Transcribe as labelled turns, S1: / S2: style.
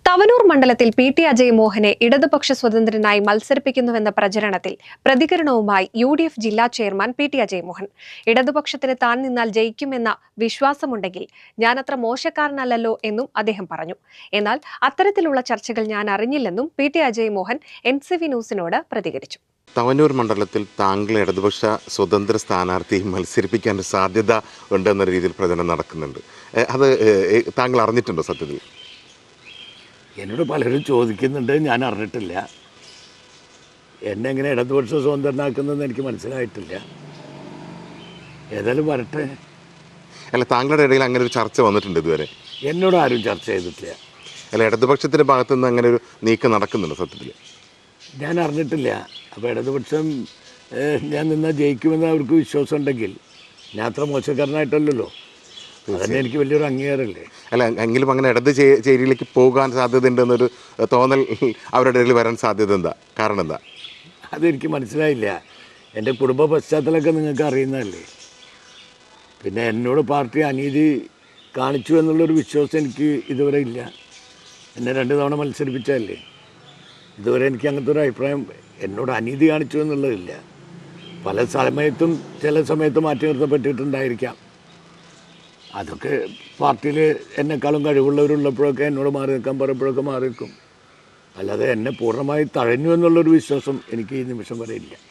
S1: തവനൂർ മണ്ഡലത്തിൽ പി.ടി. അജയ് മോഹനെ ഇടതുപക്ഷ സ്വതന്ത്രനായി മത്സരിപ്പിക്കുന്നുവെന്ന പ്രചരണത്തിൽ പ്രതികരണവുമായി യു.ഡി.എഫ് ജില്ലാ ചെയർമാൻ പി.ടി. അജയ് മോഹൻ. ഇടതുപക്ഷത്തിന് താൻ നിന്നാൽ ജയിക്കുമെന്ന വിശ്വാസമുണ്ടെങ്കിൽ ഞാനത്ര മോശക്കാരനല്ലല്ലോ എന്നും അദ്ദേഹം പറഞ്ഞു. എന്നാൽ അത്തരത്തിലുള്ള ചർച്ചകൾ ഞാൻ അറിഞ്ഞില്ലെന്നും പി.ടി. അജയ് മോഹൻ NCV ന്യൂസിനോട് പ്രതികരിച്ചു.
S2: തവനൂർ മണ്ഡലത്തിൽ താങ്കൾ ഇടതുപക്ഷ സ്വതന്ത്ര സ്ഥാനാർത്ഥിയെ മത്സരിപ്പിക്കാൻ സാധ്യത ഉണ്ടെന്ന രീതിയിൽ പ്രചരണം നടക്കുന്നുണ്ട്. അത് താങ്കൾ അറിഞ്ഞിട്ടുണ്ടോ? സത്യത്തിൽ
S3: എന്നോട് പലരും ചോദിക്കുന്നുണ്ട്, ഞാൻ അറിഞ്ഞിട്ടില്ല. എന്നെ എങ്ങനെ ഇടതുപക്ഷ സ്വതന്ത്രനാക്കുന്നതെന്ന് എനിക്ക് മനസ്സിലായിട്ടില്ല. ഏതായാലും വരട്ടെ.
S2: അല്ല, താങ്കളുടെ ഇടയിൽ അങ്ങനെ ഒരു ചർച്ച വന്നിട്ടുണ്ട് ഇതുവരെ?
S3: എന്നോട് ആരും ചർച്ച ചെയ്തിട്ടില്ല.
S2: അല്ല, ഇടതുപക്ഷത്തിൻ്റെ ഭാഗത്തുനിന്ന് അങ്ങനെ ഒരു നീക്കം നടക്കുന്നുണ്ട് സത്യത്തിൽ?
S3: ഞാൻ അറിഞ്ഞിട്ടില്ല. അപ്പോൾ ഇടതുപക്ഷം ഞാൻ നിന്നാൽ ജയിക്കുമെന്ന് അവർക്ക് വിശ്വാസം ഉണ്ടെങ്കിൽ ഞാൻ അത്ര മോശക്കാരനായിട്ടല്ലല്ലോ. അതന്നെ എനിക്ക് വലിയൊരു അംഗീകാരമല്ലേ.
S2: അല്ല, എങ്കിലും അങ്ങനെ ഇടത് ചേരിയിലേക്ക് പോകാൻ സാധ്യതയുണ്ടെന്നൊരു തോന്നൽ അവരുടെ ഇടയിൽ വരാൻ സാധ്യത എന്താ? കാരണം എന്താ?
S3: അതെനിക്ക് മനസ്സിലായില്ല. എൻ്റെ കുടുംബ പശ്ചാത്തലമൊക്കെ നിങ്ങൾക്ക് അറിയുന്നതല്ലേ. പിന്നെ എന്നോട് പാർട്ടി അനീതി കാണിച്ചു എന്നുള്ളൊരു വിശ്വാസം എനിക്ക് ഇതുവരെ ഇല്ല. എന്നെ 2 തവണ മത്സരിപ്പിച്ചതല്ലേ. ഇതുവരെ എനിക്ക് അങ്ങനത്തെ ഒരു അഭിപ്രായം എന്നോട് അനീതി കാണിച്ചു എന്നുള്ളതില്ല. പല സമയത്തും ചില സമയത്ത് മാറ്റി നിർത്തപ്പെട്ടിട്ടുണ്ടായിരിക്കാം. അതൊക്കെ പാർട്ടിയിൽ എന്നെക്കാളും കഴിവുള്ളവരുള്ളപ്പോഴൊക്കെ എന്നോട് മാറി നിൽക്കാൻ പറയുമ്പോഴൊക്കെ മാറി നിൽക്കും. അല്ലാതെ എന്നെ പൂർണ്ണമായി തഴഞ്ഞു എന്നുള്ളൊരു വിശ്വാസം എനിക്ക് ഈ നിമിഷം വരെ ഇല്ല.